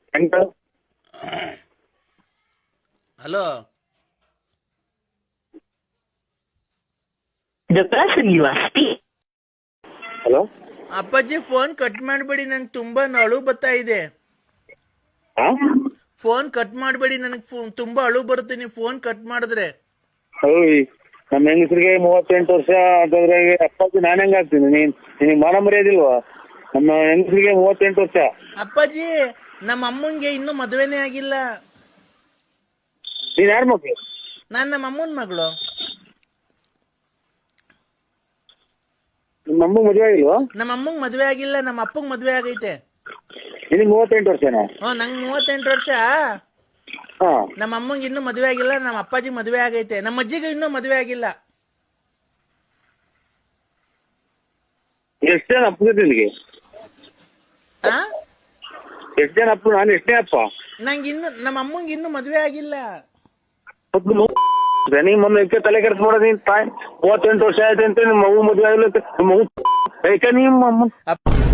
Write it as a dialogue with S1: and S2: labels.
S1: Hello,
S2: The person you are speaking.
S3: Hello
S1: ಅಪ್ಪಾಜಿ phone cut ಮಾಡಬೇಡಿ, ನಂಗೆ ತುಂಬಾ ಅಳು ಬರ್ತಾ ಇದೆ. ಫೋನ್ ಕಟ್ ಮಾಡಬೇಡಿ, ನನಗೆ ತುಂಬಾ ಅಳು ಬರುತ್ತೆ ನೀವು ಫೋನ್ ಕಟ್ ಮಾಡಿದ್ರೆ.
S3: ನಮ್ಮ ಹೆಂಗಸರಿಗೆ 38 ವರ್ಷ ಅಂತಂದ್ರೆ ಅಪ್ಪಾಜಿ ನಾನು ಹೆಂಗ ಆಗ್ತೀನಿ? ನಿನಗೆ ಮಾನ ಮರ್ಯಾದಿಲ್ವಾ? ನಮ್ಮ ಹೆಂಗಸರಿಗೆ 38 ವರ್ಷ.
S1: ಅಪ್ಪಾಜಿ, ನಮ್ಮ ಅಮ್ಮಂಗೆ ಇನ್ನೂ ಮದುವೆನೇ ಆಗಿಲ್ಲ.
S3: ನೀನ್ ಯಾರ ಮಕ್ಳು?
S1: ನಾನ್ ನಮ್ಮ ಅಮ್ಮನ ಮಗಳು.
S3: ನಿಮ್ಮ ಅಮ್ಮ ಮದುವೆ ಆಗಿಲ್ವಾ?
S1: ನಮ್ಮ ಅಮ್ಮಂಗ್ ಮದುವೆ ಆಗಿಲ್ಲ, ನಮ್ಮ ಅಪ್ಪಂಗ್ ಮದುವೆ ಆಗೈತೆ.
S3: ನಿನಗೆ 38 ವರ್ಷನಾ?
S1: ನಂಗೆ 38 ವರ್ಷ.
S3: ಹಾ.
S1: ನಮ್ಮ ಅಮ್ಮಂಗೆ ಇನ್ನೂ ಮದುವೆ ಆಗಿಲ್ಲ, ನಮ್ಮ ಅಪ್ಪಾಜಿ ಮದುವೆ ಆಗೈತೆ. ನಮ್ಮ ಅಜ್ಜಿಗೆ ಇನ್ನೂ ಮದುವೆ ಆಗಿಲ್ಲ.
S3: ಎಷ್ಟು ಜನ ಅಪ್ಪ ನಿನಗೆ? ಎಷ್ಟು ಜನ ಅಪ್ಪ? ನಾನು ಎಷ್ಟನೇ ಅಪ್ಪ?
S1: ನಂಗೆ ಇನ್ನು ನಮ್ಮ ಅಮ್ಮಂಗೆ ಇನ್ನೂ ಮದುವೆ ಆಗಿಲ್ಲ.
S3: ನೀ ಮೊನ್ನೆ ತಲೆ ಕೆಡ್ಸ್ ಮಾಡೋದು. ನೀನ್ 38 ವರ್ಷ ಆಯ್ತು ಅಂತ ನಿಮ್ಮ ಮಗು ಮದುವೆ ಆಗಿಲ್ಲ. ನಿಮ್ಮ ಮಗು ನಿಮ್ಮ ಅಮ್ಮ